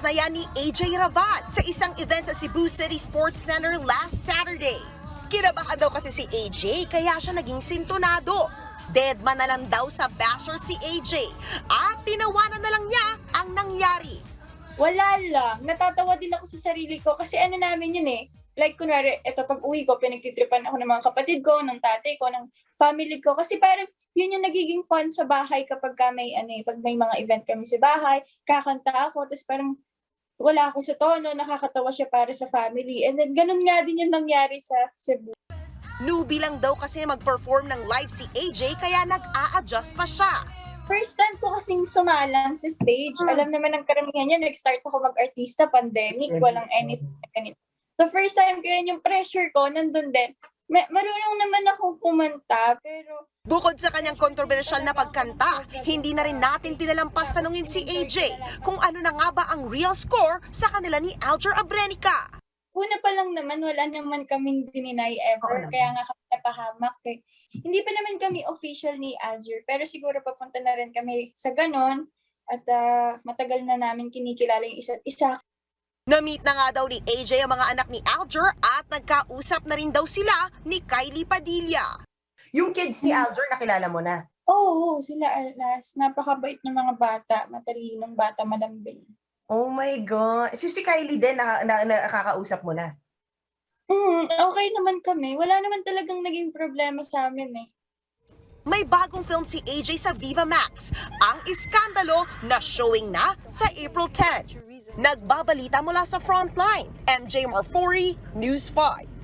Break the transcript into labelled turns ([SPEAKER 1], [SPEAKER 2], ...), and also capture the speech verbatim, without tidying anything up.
[SPEAKER 1] na yan ni A J Raval sa isang event sa Cebu City Sports Center last Saturday. Kinabahan daw kasi si A J kaya siya naging sintonado. Deadman na lang daw sa basher si A J at tinawanan na lang niya ang nangyari.
[SPEAKER 2] Wala lang. Natatawa din ako sa sarili ko kasi ano namin yun eh. Like, kunwari, eto pag uwi ko, pinagtitripan ako ng mga kapatid ko, ng tatay ko, ng family ko. Kasi parang yun yung nagiging fun sa bahay kapag ka may, ano, eh, pag may mga event kami sa bahay, kakanta ako, tapos parang wala ako sa tono, nakakatawa siya para sa family. And then, ganun nga din yung nangyari sa Cebu.
[SPEAKER 1] Newbie lang daw kasi mag-perform ng live si A J kaya nag-a-adjust pa siya.
[SPEAKER 2] First time ko kasing sumalang sa stage.
[SPEAKER 3] Hmm.
[SPEAKER 2] Alam naman ng karamihan niya, nag-start ako mag-artista, pandemic, walang anything. anything. So first time ko yun, yung pressure ko, nandun din. Ma- marunong naman akong kumanta, pero...
[SPEAKER 1] Bukod sa kanyang kontrobersyal na pagkanta, hindi na rin natin pinalampas tanungin si A J kung ano na nga ba ang real score sa kanila ni Alger Abrenica.
[SPEAKER 2] Una pa lang naman, wala naman kaming dininay ever,
[SPEAKER 3] Oo
[SPEAKER 2] kaya nga kami napahamak eh. Hindi pa naman kami official ni Alger, pero siguro papunta na rin kami sa ganon, at uh, matagal na namin kinikilala yung isa't isa.
[SPEAKER 1] Na-meet na nga daw ni A J ang mga anak ni Alger at nagkausap na rin daw sila ni Kylie Padilla.
[SPEAKER 3] Yung kids ni Alger, nakilala mo na?
[SPEAKER 2] Oo, oh, sila alas. Napakabait ng mga bata, matalinong bata, malambing.
[SPEAKER 3] Oh my God. Si, si Kylie din, na, na, nakakausap mo na?
[SPEAKER 2] Hmm, okay naman kami. Wala naman talagang naging problema sa amin eh.
[SPEAKER 1] May bagong film si A J sa Viva Max, ang Iskandalo na showing na sa April tenth. Nagbabalita mula sa Frontline, M J Marfori, News five.